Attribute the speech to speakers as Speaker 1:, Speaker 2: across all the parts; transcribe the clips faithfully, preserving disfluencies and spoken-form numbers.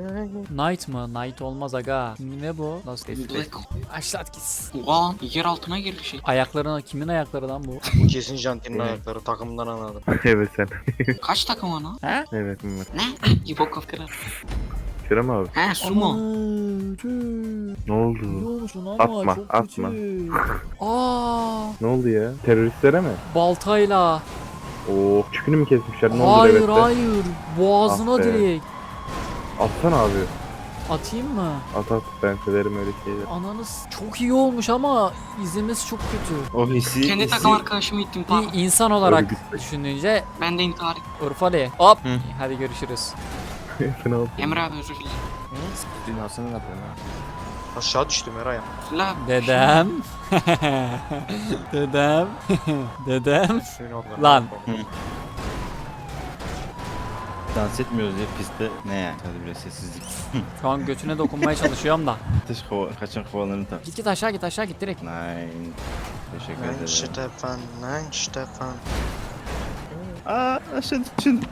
Speaker 1: Night mı? Night olmaz aga. Ne bu? Nasıl tespit?
Speaker 2: Black.
Speaker 1: Aşlat gitsin.
Speaker 2: Oha yer altına girdi şey.
Speaker 1: Ayaklarına kimin ayakları lan bu?
Speaker 3: Bu kesin Jantin'in ayakları, takımdan anladım.
Speaker 4: Evet sen.
Speaker 2: Kaç takım ana?
Speaker 1: He?
Speaker 4: Evet evet.
Speaker 2: Ne? İbo kafkara.
Speaker 4: Kerem abi.
Speaker 2: He sumo.
Speaker 4: Ne oldu?
Speaker 1: musun ama
Speaker 4: Atma,
Speaker 1: çok
Speaker 4: atma.
Speaker 1: kötü. Aa,
Speaker 4: Ne oldu ya? Teröristlere mi?
Speaker 1: baltayla.
Speaker 4: Oo, çükünü mü kesmişler? Ne oldu
Speaker 1: Hayır
Speaker 4: devette?
Speaker 1: hayır. Boğazına
Speaker 4: Ah be.
Speaker 1: direkt.
Speaker 4: Atsana abi.
Speaker 1: Atayım mı?
Speaker 4: At at, ben severim öyle şeyleri.
Speaker 1: Ananız çok iyi olmuş ama izlemesi çok kötü.
Speaker 5: O hissi,
Speaker 2: Kendi
Speaker 5: hissi
Speaker 2: takım arkadaşımı ittim pardon.
Speaker 1: Bir insan olarak
Speaker 4: Örgüt.
Speaker 1: düşününce
Speaker 2: Ben de intihar ettim.
Speaker 1: Urfali. Hop.
Speaker 5: Hı.
Speaker 1: Hadi görüşürüz.
Speaker 4: Fena oldu.
Speaker 2: Emre abi özür dilerim.
Speaker 5: dünyasını ne yapıyorsun ha?
Speaker 3: Aşağı düştüm Eray.
Speaker 2: La
Speaker 1: Dedem. Dedem. Dedem.
Speaker 3: Suyun altına.
Speaker 1: Lan.
Speaker 5: Dans etmiyoruz ya pistte. Ne yani? Hadi biraz sessizlik.
Speaker 1: Şu an götüne dokunmaya çalışıyorum da.
Speaker 5: Ateş kova, kaçan kovalarını tak.
Speaker 1: Git git aşağı git aşağı git direkt.
Speaker 5: Nine. Teşekkür
Speaker 3: Nein
Speaker 5: ederim.
Speaker 3: Stefan, nein Stefan.
Speaker 5: Aa aşağı düşün.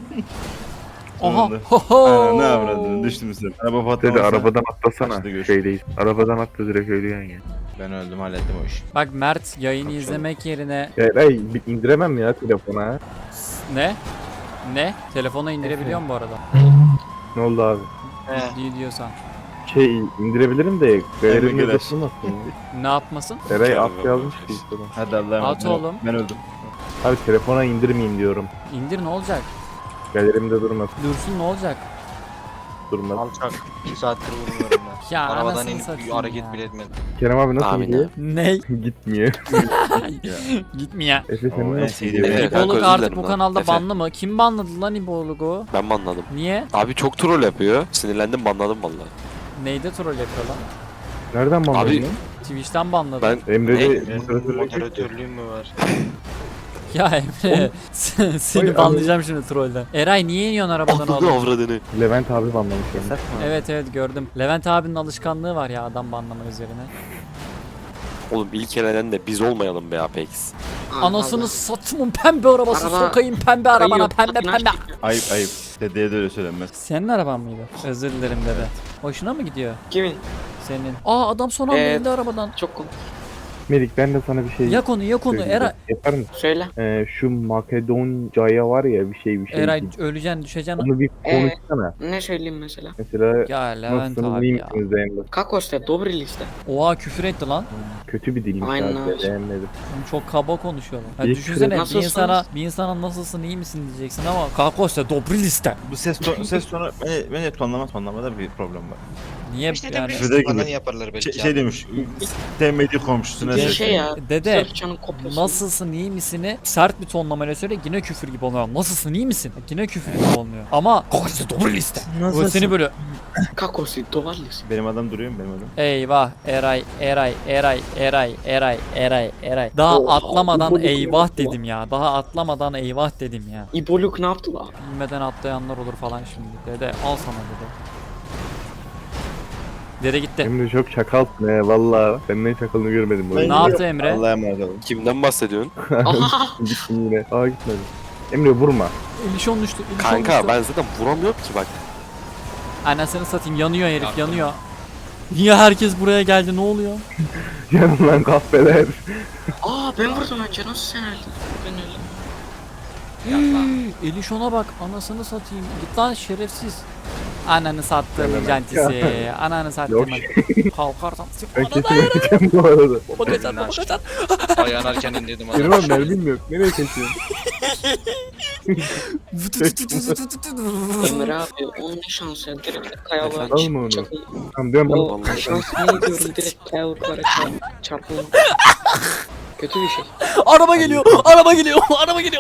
Speaker 1: Oha.
Speaker 5: Sonunda.
Speaker 1: Ho
Speaker 5: Ana
Speaker 1: ho.
Speaker 5: ne avradın düştüm sen. Araba patlaması.
Speaker 4: Dedi arabadan atlasana.
Speaker 5: İşte görüş.
Speaker 4: Şeydeyiz. Arabadan atla direkt ölüyorsun ya.
Speaker 5: Ben öldüm hallettim o işi.
Speaker 1: Bak Mert yayını
Speaker 5: Çok
Speaker 1: izlemek yerine
Speaker 4: Ya Eray bir indiremem ya telefona.
Speaker 1: ne? Ne? Telefona indirebiliyorum bu arada.
Speaker 4: Ne oldu abi?
Speaker 3: He.
Speaker 1: Ciddi diyorsan.
Speaker 4: Şey indirebilirim de galerimde
Speaker 5: Emre
Speaker 4: basılmasın ya.
Speaker 1: Ne yapmasın?
Speaker 4: Eray at yazmış ki işte.
Speaker 5: Hadi Allah'a emanet.
Speaker 1: At
Speaker 5: Ben-
Speaker 1: oğlum.
Speaker 5: Ben öldüm.
Speaker 4: Abi telefona indirmeyeyim diyorum.
Speaker 1: İndir ne olacak?
Speaker 4: Galerimde durmasın.
Speaker 1: Dursun ne olacak?
Speaker 4: Durmasın.
Speaker 3: Alçak. iki saattir vurmuyorum ben.
Speaker 1: Ya
Speaker 3: Arabadan
Speaker 1: anasını
Speaker 3: inip
Speaker 1: satayım
Speaker 3: bir hareket
Speaker 1: ya.
Speaker 3: bile etmedim.
Speaker 4: Kerem abi nasıl
Speaker 6: Amin
Speaker 4: gidiyor?
Speaker 1: Ne?
Speaker 4: Gitmiyor.
Speaker 1: Gitmiyor.
Speaker 4: Efe
Speaker 5: O
Speaker 4: sen
Speaker 5: en
Speaker 4: nasıl
Speaker 5: sevdiğim
Speaker 4: gidiyor?
Speaker 6: Evet, kanka,
Speaker 1: İboluk
Speaker 6: özür
Speaker 1: artık
Speaker 6: dilerim
Speaker 1: bu
Speaker 6: lan.
Speaker 1: kanalda
Speaker 6: Efe.
Speaker 1: banlı mı? Kim banladı lan İboluk'u?
Speaker 6: Ben banladım.
Speaker 1: Niye?
Speaker 6: Abi çok troll yapıyor. Sinirlendim banladım vallahi.
Speaker 1: Neyde troll yapıyor lan?
Speaker 4: Nereden banladın
Speaker 6: Abi-
Speaker 4: lan?
Speaker 1: Twitch'ten banladı.
Speaker 6: Ben
Speaker 4: Emre'de
Speaker 3: Benim
Speaker 4: moderatörlük
Speaker 3: moderatörlüğüm mü var?
Speaker 1: Ya Emre sen- seni
Speaker 4: Oy,
Speaker 1: banlayacağım şimdi trollden. Eray niye iniyorsun arabadan
Speaker 6: anladım
Speaker 1: oğlum?
Speaker 6: avradını.
Speaker 4: Levent abi banlamış onu.
Speaker 1: Evet evet gördüm. Levent abinin alışkanlığı var ya adam banlama üzerine.
Speaker 6: Oğlum ilk elenen de biz olmayalım be Apex.
Speaker 1: Anasını satımın pembe arabası
Speaker 2: Araba
Speaker 1: sokayım pembe arabana
Speaker 2: kayıyor,
Speaker 1: pembe
Speaker 2: patinaj
Speaker 1: pembe.
Speaker 2: çekiyor.
Speaker 5: Ayıp ayıp. Dedeye de öyle söylenmez.
Speaker 1: Senin araban mıydı? Özür dilerim dede. Hoşuna mı gidiyor
Speaker 2: Kimin?
Speaker 1: senin? Aa adam son anda
Speaker 2: Evet.
Speaker 1: indi arabadan.
Speaker 2: Çok komik.
Speaker 4: Melik ben de sana bir şey
Speaker 1: Yak onu yak onu
Speaker 4: söyleyeceğim.
Speaker 1: Eray.
Speaker 4: Yapar mısın?
Speaker 2: Söyle.
Speaker 4: Ee, şu Makedonca'ya var ya bir şey bir şey.
Speaker 1: Eray öleceksin düşeceksin.
Speaker 4: Onu bir
Speaker 2: Ee?
Speaker 4: konuşsana.
Speaker 2: Ne söyleyeyim mesela?
Speaker 4: Mesela
Speaker 1: Ya Levent
Speaker 4: nasılsınız
Speaker 1: abi
Speaker 4: iyi
Speaker 1: ya.
Speaker 4: misiniz Zeynep?
Speaker 2: Kakoste, dobri liste.
Speaker 1: Oha küfür etti lan.
Speaker 4: Kötü bir dilmiş
Speaker 2: Aynen
Speaker 4: abi.
Speaker 2: öyle.
Speaker 4: Beğenmedim.
Speaker 1: Oğlum çok kaba konuşuyorlar. Ya
Speaker 4: İyi
Speaker 1: düşünsene bir
Speaker 2: Nasılsınız?
Speaker 1: insana bir insana nasılsın iyi misin diyeceksin ama kakose dobri liste.
Speaker 5: Bu ses tonu, ses tonu beni, beni tonlama tonlamada bir problem var.
Speaker 1: Niye
Speaker 3: İşte
Speaker 1: yani?
Speaker 3: yani.
Speaker 5: Şurada gibi.
Speaker 3: Bana yaparlar belki.
Speaker 5: Şey, şey demiş. Sevmediği komşusuna
Speaker 2: Bir
Speaker 5: ses.
Speaker 2: şey ya.
Speaker 1: Dede
Speaker 2: Sırfçanın kopyası.
Speaker 1: nasılsın iyi misini sert bir tonlamayla söyle yine küfür gibi olmuyor. Nasılsın iyi misin? Yine küfür gibi olmuyor. Ama kakose dobri liste. Bu seni böyle
Speaker 2: Kakoste, dovar liste.
Speaker 5: Benim adam duruyor mu benim adam?
Speaker 1: eyvah Eray Eray Eray Eray Eray Eray Eray. Daha
Speaker 2: Oha,
Speaker 1: atlamadan
Speaker 2: bu- bu- bu-
Speaker 1: eyvah
Speaker 2: bu-
Speaker 1: dedim ya. Daha atlamadan eyvah dedim ya.
Speaker 2: İboluk ne yaptı la?
Speaker 1: Bilmeden atlayanlar olur falan şimdi. Dede al sana dede. Dede gitti.
Speaker 4: Emre çok çakalsın he valla. Ben ne çakalını görmedim. bu
Speaker 1: Ne
Speaker 4: oyunda.
Speaker 1: yaptı Emre?
Speaker 5: Allah'a emanet olun.
Speaker 6: Kimden bahsediyorsun?
Speaker 2: Aha!
Speaker 4: Gittim yine. Aa gitmedim. Emre vurma.
Speaker 1: Elişon düştü. Elişon
Speaker 6: Kanka
Speaker 1: düştü.
Speaker 6: ben zaten vuramıyorum ki bak.
Speaker 1: Anasını satayım yanıyor herif yanıyor. Niye herkes buraya geldi ne oluyor?
Speaker 4: Yanım lan kahveler.
Speaker 2: Aa ben vurdum önce nasıl sen öldün? Ben öldüm.
Speaker 1: Elişon'a bak anasını satayım. Git lan şerefsiz. Ananı sattım
Speaker 4: Hemen.
Speaker 1: cantisi. Ananı sattım.
Speaker 4: Yok.
Speaker 1: Kalkarsan
Speaker 4: Ben
Speaker 1: sık
Speaker 4: kesin öleceğim bu arada.
Speaker 1: baba kaçar baba kaçar.
Speaker 3: Ayağınarken indirdim.
Speaker 4: Kerem abi mermim yok. Nereye kaçıyorsun?
Speaker 2: Ömer abi onun ne şansı ya direkt kayalığa
Speaker 4: Alma onu.
Speaker 2: çakıl.
Speaker 4: Tamam dön bana.
Speaker 2: O şansını diyorum direkt kayalıklara çarp- çarpılma. Kötü bir şey.
Speaker 1: Araba geliyor. Araba geliyor. Araba geliyor.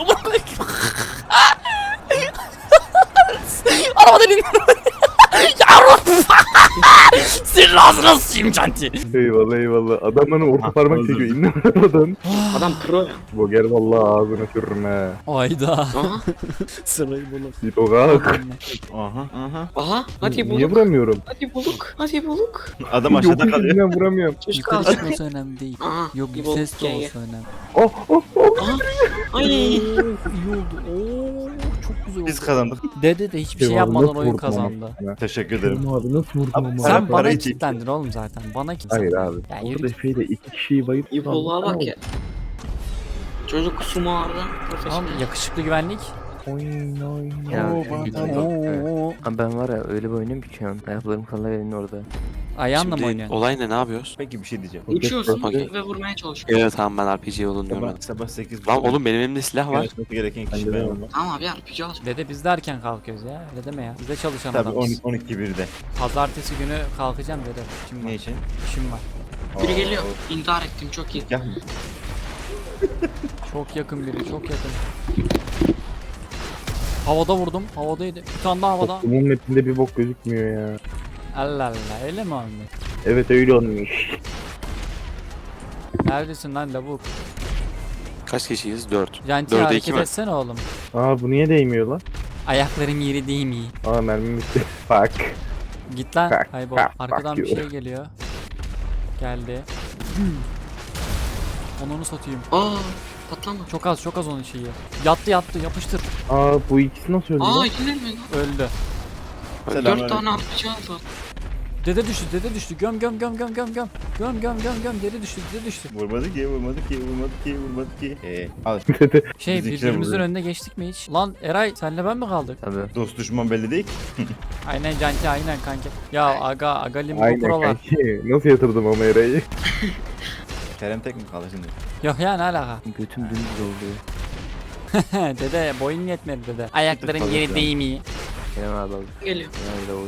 Speaker 1: Arabadan in. Yavrum. Senin ağzına sıçayım canti.
Speaker 4: Eyvallah eyvallah. Adam bana orta parmak
Speaker 5: özür
Speaker 4: çekiyor. İndim arabadan.
Speaker 2: Adam pro ya.
Speaker 4: Bu gel vallahi ağzına sürürüm he.
Speaker 1: Ayda.
Speaker 2: Aha.
Speaker 1: Sırayı bunu.
Speaker 4: Git o kalk.
Speaker 5: Aha aha.
Speaker 2: Aha. Hadi
Speaker 4: Niye
Speaker 2: buluk.
Speaker 4: vuramıyorum?
Speaker 2: Hadi buluk. Hadi buluk.
Speaker 5: Adam aşağıda
Speaker 4: Yok
Speaker 5: kalıyor.
Speaker 4: yüzünden vuramıyorum.
Speaker 2: Çocuk
Speaker 1: Yukarı
Speaker 2: kalsın.
Speaker 1: çıkması önemli değil.
Speaker 2: Aha.
Speaker 1: Yok
Speaker 2: bir
Speaker 1: bir
Speaker 2: buluk
Speaker 1: ses de
Speaker 2: C'ye.
Speaker 1: olsa önemli.
Speaker 4: Oh oh oh.
Speaker 2: Aha. Ay.
Speaker 1: İyi oldu. Oo, çok güzel. güzel
Speaker 5: Biz
Speaker 1: oldu.
Speaker 5: kazandık.
Speaker 1: Dede de hiçbir şey
Speaker 4: Eyvallah,
Speaker 1: yapmadan
Speaker 4: nasıl
Speaker 1: oyun
Speaker 4: vurdum ama?
Speaker 1: kazandı.
Speaker 5: Teşekkür ederim.
Speaker 4: Kerem abi nasıl vurdun
Speaker 5: Abi
Speaker 4: ama?
Speaker 5: sen-
Speaker 1: Sen bana
Speaker 5: parayı çek.
Speaker 1: kilitlendin oğlum zaten. Bana kim?
Speaker 4: Hayır abi.
Speaker 1: Ya yürü
Speaker 4: Orada
Speaker 1: git.
Speaker 4: şeyde iki kişiyi bayıp
Speaker 2: İbolluğa bak ya. Çocuk sumarda
Speaker 1: Tamam
Speaker 2: profesyonel.
Speaker 1: yakışıklı güvenlik.
Speaker 4: Oyn oyn.
Speaker 7: Ya,
Speaker 1: Oo,
Speaker 7: lütfen.
Speaker 1: oo.
Speaker 7: Abi ben var ya öyle bir oynuyorum ki şu an. Ayaklarım kalır elinin orada.
Speaker 1: Ayağınla mı
Speaker 6: Şimdi
Speaker 1: oynuyorsun?
Speaker 6: olay ne? Ne yapıyoruz?
Speaker 5: Peki bir şey diyeceğim.
Speaker 2: Uçuyorsun
Speaker 6: Okey.
Speaker 2: ve vurmaya çalışıyorsun.
Speaker 6: Evet tamam ben R P G yolunu
Speaker 5: Sabah,
Speaker 6: görmedim.
Speaker 5: sabah sekiz.
Speaker 6: Lan oğlum benim elimde silah var.
Speaker 5: Yarışması gereken kişi
Speaker 4: Bende de
Speaker 5: ben
Speaker 4: var.
Speaker 5: olmam.
Speaker 2: Tamam abi R P G al.
Speaker 1: Dede biz de erken kalkıyoruz ya. Öyle deme ya. Biz de çalışan
Speaker 5: Tabii
Speaker 1: adamız.
Speaker 5: on iki birde.
Speaker 1: Pazartesi günü kalkacağım dede. İşim var.
Speaker 5: Ne için?
Speaker 1: İşim var.
Speaker 2: Biri geliyor. İntihar ettim çok iyi.
Speaker 5: Gel.
Speaker 1: Çok yakın biri, çok yakın. Havada vurdum, havadaydı. Bir tane daha havada.
Speaker 4: Bunun mapinde bir bok gözükmüyor ya.
Speaker 1: Allah Allah, öyle mi olmuş?
Speaker 4: Evet öyle olmuş.
Speaker 1: Neredesin lan lavuk?
Speaker 6: Kaç kişiyiz? dört.
Speaker 1: Janti
Speaker 6: Dörde
Speaker 1: hareket
Speaker 6: iki mi?
Speaker 1: etsene oğlum.
Speaker 4: Aa bu niye değmiyor lan?
Speaker 1: Ayakların yeri değil mi?
Speaker 4: Aa mermim bitti. Fuck.
Speaker 1: Git lan,
Speaker 4: Bak,
Speaker 1: kaybol.
Speaker 4: bak,
Speaker 1: Arkadan
Speaker 4: bak
Speaker 1: bir
Speaker 4: you.
Speaker 1: şey geliyor. Geldi. Onu onu satayım.
Speaker 2: Aa patlama.
Speaker 1: Çok az, çok az onun şeyi. Yattı yattı, yapıştır.
Speaker 4: Aa bu ikisi nasıl öldü
Speaker 2: Aa
Speaker 4: lan?
Speaker 2: yine mi lan?
Speaker 1: Öldü.
Speaker 2: Dört tane R P G aldı.
Speaker 1: Dede düştü, dede düştü. Göm göm göm göm göm göm. Göm göm göm göm. Dede düştü, dede düştü.
Speaker 5: Vurmadı ki, vurmadı ki, vurmadı ki, vurmadı ki. Eee al.
Speaker 1: Şey
Speaker 5: Biz ikine
Speaker 1: birbirimizin
Speaker 5: vuruyoruz.
Speaker 1: önüne geçtik mi hiç? Lan Eray senle ben mi kaldık?
Speaker 7: Tabii.
Speaker 5: Dost düşman belli değil ki.
Speaker 1: Aynen Canki aynen kanki. Ya aga aga limbo
Speaker 4: Aynen
Speaker 1: prolar.
Speaker 4: kanki. Nasıl yatırdım ama Eray'ı?
Speaker 5: Kerem tek mi kaldı şimdi?
Speaker 1: Yok ya ne alaka?
Speaker 7: Götüm dümdüz oldu.
Speaker 1: Dede boyun yetmedi dede. Ayakların
Speaker 5: Tabii
Speaker 1: yeri
Speaker 5: ya.
Speaker 1: değil mi?
Speaker 7: Kerem abi aldı.
Speaker 2: Geliyor.
Speaker 7: Kerem de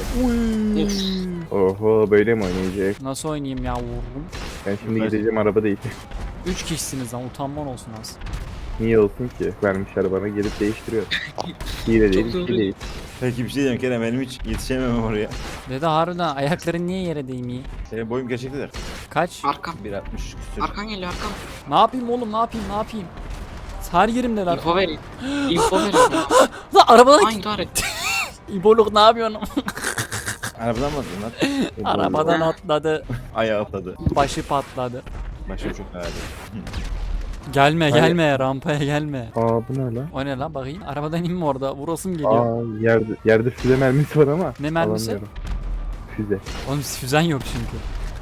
Speaker 7: hoştu böyle.
Speaker 2: Of.
Speaker 4: Oho böyle mi oynayacak?
Speaker 1: Nasıl oynayayım ya vururum.
Speaker 4: Ben şimdi
Speaker 5: Ben-
Speaker 4: gideceğim araba değil.
Speaker 1: Üç kişisiniz lan utanman olsun az.
Speaker 4: Niye olsun ki? Vermişler bana gelip değiştiriyor. Hile değil,
Speaker 2: Çok
Speaker 4: bir
Speaker 2: doğru.
Speaker 4: şey değil.
Speaker 5: Peki bir şey diyeceğim Kerem, benim hiç yetişememem oraya.
Speaker 1: Dede harbiden ayakların niye yere değmiyor?
Speaker 5: Senin boyum gerçektedir.
Speaker 1: Kaç?
Speaker 2: Arkam.
Speaker 5: bir altmış küsür.
Speaker 2: Arkan geliyor arkam.
Speaker 1: Ne yapayım oğlum ne yapayım ne yapayım? Her yerimde lan.
Speaker 2: İnfo vereyim. İnfo vereyim.
Speaker 1: Lan arabadan
Speaker 2: Aa intihar etti.
Speaker 1: İboluk ne yapıyorsun?
Speaker 5: Arabadan mı attın lan?
Speaker 1: Arabadan atladı.
Speaker 5: Ayağı atladı.
Speaker 1: Başı patladı.
Speaker 5: Başım çok ağrıdı.
Speaker 1: Gelme
Speaker 4: Hayır.
Speaker 1: gelme rampaya gelme.
Speaker 4: Aa bu ne lan?
Speaker 1: O ne lan bakayım. Arabadan inme orada. Vurasım geliyor.
Speaker 4: Aa yerde, yerde füze mermisi var ama.
Speaker 1: Ne mermisi?
Speaker 4: alamıyorum. Füze.
Speaker 1: Oğlum füzen yok çünkü.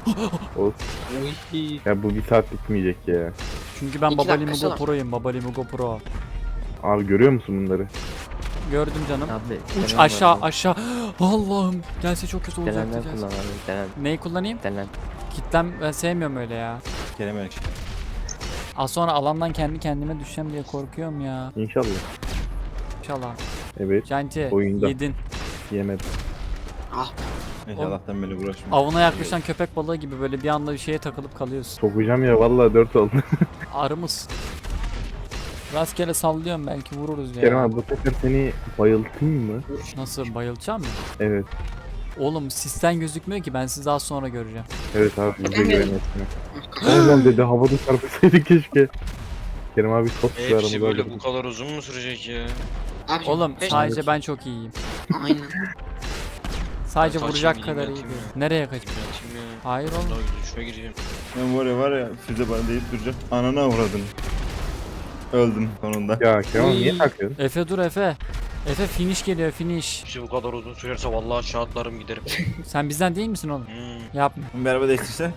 Speaker 4: Olsun. Ya bu bir saat bitmeyecek ya.
Speaker 1: Çünkü ben
Speaker 2: İki
Speaker 1: Baba
Speaker 2: dakikası
Speaker 1: Limugo
Speaker 2: var.
Speaker 1: Pro'yum. Baba Limugo Pro.
Speaker 4: Abi görüyor musun bunları?
Speaker 1: Gördüm canım.
Speaker 7: Abi.
Speaker 1: Uç
Speaker 7: Kerem
Speaker 1: aşağı
Speaker 7: abi.
Speaker 1: aşağı. Allah'ım. Gelse çok kötü olacaktı.
Speaker 7: Denenden
Speaker 1: Gelse.
Speaker 7: kullan abi. Denen.
Speaker 1: Neyi kullanayım?
Speaker 7: Denen.
Speaker 1: Kitlem ben sevmiyorum öyle ya.
Speaker 5: Kerem öyle.
Speaker 1: Az sonra alandan kendi kendime düşeceğim diye korkuyorum ya.
Speaker 4: İnşallah.
Speaker 1: İnşallah.
Speaker 4: Evet.
Speaker 1: Canti
Speaker 4: Oyunda.
Speaker 1: yedin.
Speaker 4: Yemedim.
Speaker 2: Ah
Speaker 5: İnşallah'tan beni uğraşmıyor.
Speaker 1: Avına yaklaşan köpek balığı gibi böyle bir anda bir şeye takılıp kalıyorsun.
Speaker 4: Sokacağım ya vallahi dört oldu.
Speaker 1: Arımız. Rastgele sallıyorum belki vururuz ya.
Speaker 4: Kerem abi bu sefer seni bayıltayım mı?
Speaker 1: Nasıl bayılacağım mı?
Speaker 4: Evet.
Speaker 1: Oğlum sisten gözükmüyor ki ben sizi daha sonra göreceğim.
Speaker 4: Evet abi bize
Speaker 2: Evet.
Speaker 4: güvenmesine. Oğlum dedi havada çarpsaydık keşke. Kerem abi çok güzel
Speaker 3: Hepsi
Speaker 4: aramızda.
Speaker 3: böyle bu kadar uzun mu sürecek ya?
Speaker 2: abi.
Speaker 1: Oğlum
Speaker 2: beş-
Speaker 1: sadece ben çok iyiyim.
Speaker 2: Aynen.
Speaker 1: Sadece
Speaker 3: Ben
Speaker 1: vuracak
Speaker 3: kaçayım,
Speaker 1: kadar iyi
Speaker 3: yatayım
Speaker 1: değil.
Speaker 3: ya.
Speaker 1: Nereye kaçayım?
Speaker 3: Yatayım ya.
Speaker 1: Hayır oğlum.
Speaker 3: Daha güzel şuna gireceğim.
Speaker 5: Ben var ya var ya füze bana deyip duracak. Anana uğradın. Öldüm sonunda.
Speaker 4: Ya Kerem abi niye takıyorsun?
Speaker 1: Efe dur Efe. Efe finish geliyor finish.
Speaker 3: İşte bu kadar uzun sürerse vallahi aşağı atlarım giderim.
Speaker 1: Sen bizden değil misin oğlum?
Speaker 3: Hmm.
Speaker 1: Yapma.
Speaker 5: Bir araba değiştirse.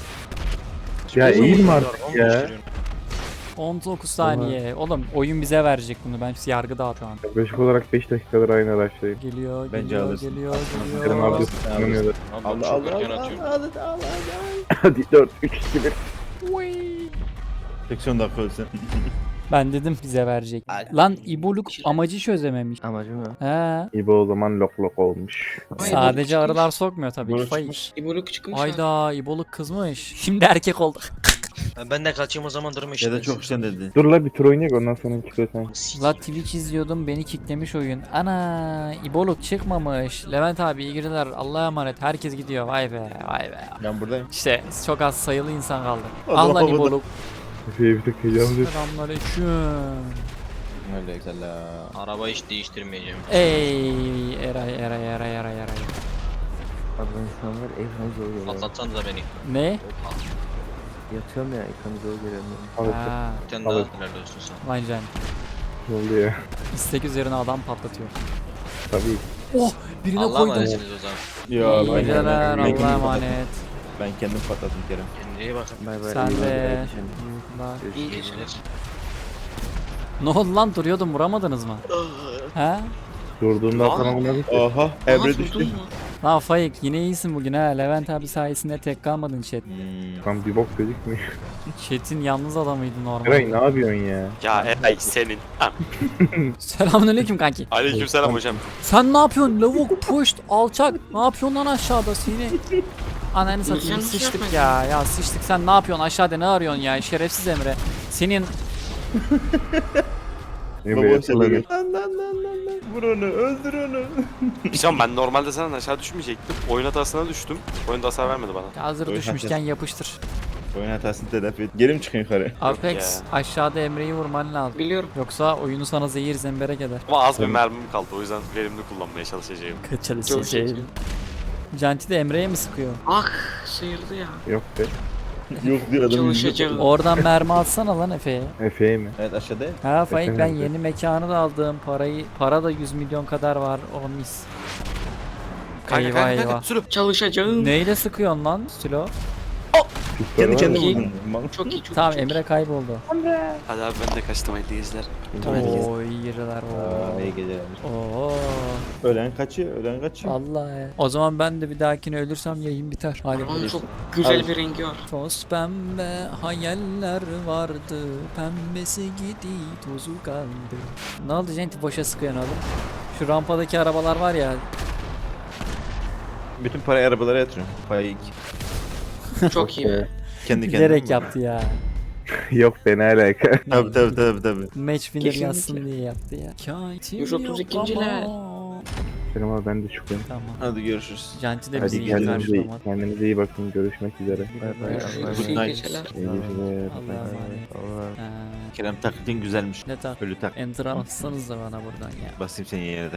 Speaker 4: Ya
Speaker 3: Uzun
Speaker 4: eğilme
Speaker 3: uzun
Speaker 4: artık
Speaker 3: var,
Speaker 4: ya.
Speaker 3: on beş sürüyorum.
Speaker 1: on dokuz saniye. Oğlum oyun bize verecek bunu. Ben yargıda şu an.
Speaker 4: Yaklaşık olarak beş dakikadır aynı araçtayım.
Speaker 1: Geliyor,
Speaker 5: Bence
Speaker 1: geliyor,
Speaker 5: alırsın.
Speaker 1: geliyor,
Speaker 4: Kerem
Speaker 1: geliyor.
Speaker 4: abi inanıyorlar.
Speaker 3: Abi ben
Speaker 5: Allah
Speaker 3: çok
Speaker 5: Allah
Speaker 3: erken
Speaker 5: Allah
Speaker 3: atıyorum.
Speaker 5: Allah Allah.
Speaker 4: Hadi dört, üç, iki, bir.
Speaker 5: seksen dakika ölsün.
Speaker 1: Ben dedim bize verecek. Lan İboluk amacı çözememiş.
Speaker 7: Amacı mı?
Speaker 1: He.
Speaker 4: İbo o zaman lok lok olmuş.
Speaker 2: Ay,
Speaker 1: Sadece
Speaker 2: İboluk
Speaker 1: arılar sokmuyor tabii.
Speaker 5: İboluk
Speaker 1: Fay.
Speaker 5: çıkmış.
Speaker 2: İboluk çıkmış. abi.
Speaker 1: Ayda İboluk kızmış. Şimdi erkek olduk.
Speaker 3: Ha, Ben de kaçayım o zaman durma işte.
Speaker 5: Ya da çok işten dedi.
Speaker 4: Dur la bir tur oynayak ondan sonra çıkıyor sen.
Speaker 1: La Twitch izliyordum beni kicklemiş oyun. Ana İboluk çıkmamış. Levent abi iyi geceler. Allah'a emanet. Herkes gidiyor. Vay be vay be.
Speaker 5: Ben buradayım.
Speaker 1: İşte çok az sayılı insan kaldı.
Speaker 5: Allah
Speaker 1: Ah lan
Speaker 5: Allah.
Speaker 1: İboluk.
Speaker 4: Efe'ye bir tık heyecanlı.
Speaker 1: Selamünaleyküm.
Speaker 5: Öyle güzel la.
Speaker 3: Araba hiç değiştirmeyeceğim.
Speaker 1: Ey Eray Eray Eray Eray Eray.
Speaker 7: Abi ben şu an var ekranı zor görüyorum.
Speaker 3: Patlatsanız da beni.
Speaker 1: Ne?
Speaker 7: Yatıyorum ya ekranı zor görüyorum.
Speaker 4: Evet.
Speaker 1: Ha,
Speaker 3: Bir tane daha
Speaker 4: Evet.
Speaker 3: helal olsun sana.
Speaker 1: lan can.
Speaker 4: Ne oluyor?
Speaker 1: İstek üzerine adam patlatıyor.
Speaker 4: Tabii.
Speaker 1: Oh birine
Speaker 3: Allah'a
Speaker 1: koydum.
Speaker 3: emanetsiniz o zaman.
Speaker 5: Ya
Speaker 1: İyi
Speaker 5: ben,
Speaker 1: geceler
Speaker 5: ben,
Speaker 1: Allah'a
Speaker 5: kendim,
Speaker 1: emanet.
Speaker 5: ben kendim patladım Kerem.
Speaker 3: Kendine iyi bakın.
Speaker 7: Bay bay.
Speaker 1: Sen
Speaker 7: iyi
Speaker 1: de.
Speaker 7: kardeşim.
Speaker 1: Bak.
Speaker 3: İyi geceler.
Speaker 1: Ne oldu lan duruyordum vuramadınız mı? He?
Speaker 4: Durduğunda
Speaker 6: Lan.
Speaker 4: sana bunları
Speaker 5: Aha
Speaker 2: Aa,
Speaker 5: Emre düştü.
Speaker 2: vurdun mu?
Speaker 1: Lan Faik yine iyisin bugün ha. Levent abi sayesinde tek kalmadın chat.
Speaker 5: Hmm.
Speaker 4: Tam bir bok gözükmüyor.
Speaker 1: Chat'in yalnız adamıydı
Speaker 4: Eray
Speaker 1: normalde.
Speaker 4: ne yapıyorsun ya?
Speaker 6: Ya Eray senin. Ha.
Speaker 1: Selamünaleyküm kanki.
Speaker 6: Aleykümselam hocam.
Speaker 1: Sen ne yapıyorsun lavuk puşt alçak. Ne yapıyorsun lan aşağıda seni? Ananı satayım
Speaker 2: Sen
Speaker 1: sıçtık
Speaker 2: yapma.
Speaker 1: ya. Ya sıçtık sen ne yapıyorsun aşağıda ne arıyorsun ya şerefsiz Emre. Senin
Speaker 4: Emre
Speaker 5: Baba
Speaker 4: yatırları.
Speaker 5: sen lan lan lan lan lan. Vur onu öldür onu.
Speaker 6: Hocam ben normalde senden aşağı düşmeyecektim. Oyun hatasına düştüm. Oyunda hasar vermedi bana.
Speaker 1: hazır
Speaker 5: Oy,
Speaker 1: düşmüşken yapıştır.
Speaker 5: Oyun hatasını telafi et. Geri mi çıkın yukarı?
Speaker 1: Apex
Speaker 6: ya.
Speaker 1: aşağıda Emre'yi vurman lazım.
Speaker 2: Biliyorum.
Speaker 1: Yoksa oyunu sana zehir zemberek eder.
Speaker 6: Ama az bir
Speaker 5: Tamam.
Speaker 6: mermim kaldı. O yüzden verimli kullanmaya çalışacağım.
Speaker 1: Kaçalım. Canti de Emre'ye mi sıkıyor?
Speaker 2: Ah sıyırdı ya.
Speaker 4: Yok be.
Speaker 5: Yok diyor adam.
Speaker 2: Çalışacağım.
Speaker 1: Oradan mermi atsana lan Efe'ye.
Speaker 4: Efe'ye mi?
Speaker 5: Evet aşağıda.
Speaker 1: Ha Faik ben
Speaker 4: Efendim?
Speaker 1: yeni mekanı da aldım. Parayı para da yüz milyon kadar var. O mis.
Speaker 6: Kanka
Speaker 1: Eyvah,
Speaker 6: kanka
Speaker 1: eyvah.
Speaker 6: kanka. Sürüp.
Speaker 2: Çalışacağım.
Speaker 1: Neyle sıkıyorsun lan Silo?
Speaker 4: Pistol
Speaker 5: Kendi
Speaker 4: var
Speaker 5: kendine
Speaker 4: mı?
Speaker 5: vurdum. Mal.
Speaker 2: Çok iyi çok
Speaker 1: Tamam
Speaker 2: iyi. çok
Speaker 1: Emre kayboldu.
Speaker 6: Hadi abi ben de kaçtım hayırlı geceler.
Speaker 1: Oo iyi geceler.
Speaker 5: Aa, iyi
Speaker 1: Oo.
Speaker 5: geceler.
Speaker 1: Oo.
Speaker 5: Ölen kaçıyor, ölen kaçıyor.
Speaker 1: Vallahi. O zaman ben de bir dahakine ölürsem yayın biter. Hadi.
Speaker 2: iyi. Onun çok güzel bir rengi var.
Speaker 1: Toz pembe hayaller vardı. Pembesi gitti tozu kaldı. Ne oldu Centi boşa sıkıyorsun oğlum? Şu rampadaki arabalar var ya.
Speaker 5: Bütün parayı arabalara yatırıyorum. Faik.
Speaker 2: Çok iyi be.
Speaker 5: Kendi kendine.
Speaker 1: Bilerek yaptı ya.
Speaker 4: Yok be ne alaka?
Speaker 5: Tabi tabi tabi tabi.
Speaker 1: Match winner
Speaker 2: Kesinlikle.
Speaker 1: yazsın diye yaptı ya. Kâtim
Speaker 2: yüz otuz ikinci
Speaker 1: yok
Speaker 2: level.
Speaker 1: ama.
Speaker 4: Selam abi ben de çıkıyorum.
Speaker 1: Tamam.
Speaker 5: Hadi görüşürüz.
Speaker 1: Janti de
Speaker 4: Hadi
Speaker 1: bizi
Speaker 4: kendinize
Speaker 1: izlermiş
Speaker 4: iyi,
Speaker 1: ama.
Speaker 4: kendinize iyi bakın. Görüşmek üzere.
Speaker 7: Bay bay.
Speaker 2: Görüşürüz. İyi
Speaker 5: Nice.
Speaker 2: geceler.
Speaker 4: İyi geceler.
Speaker 1: Allah'a emanet.
Speaker 7: Allah.
Speaker 1: Ha,
Speaker 5: Kerem taklidin güzelmiş.
Speaker 1: ne tak?
Speaker 5: Ölü tak.
Speaker 1: Enter atsanız da bana buradan ya.
Speaker 5: Basayım seni yere de.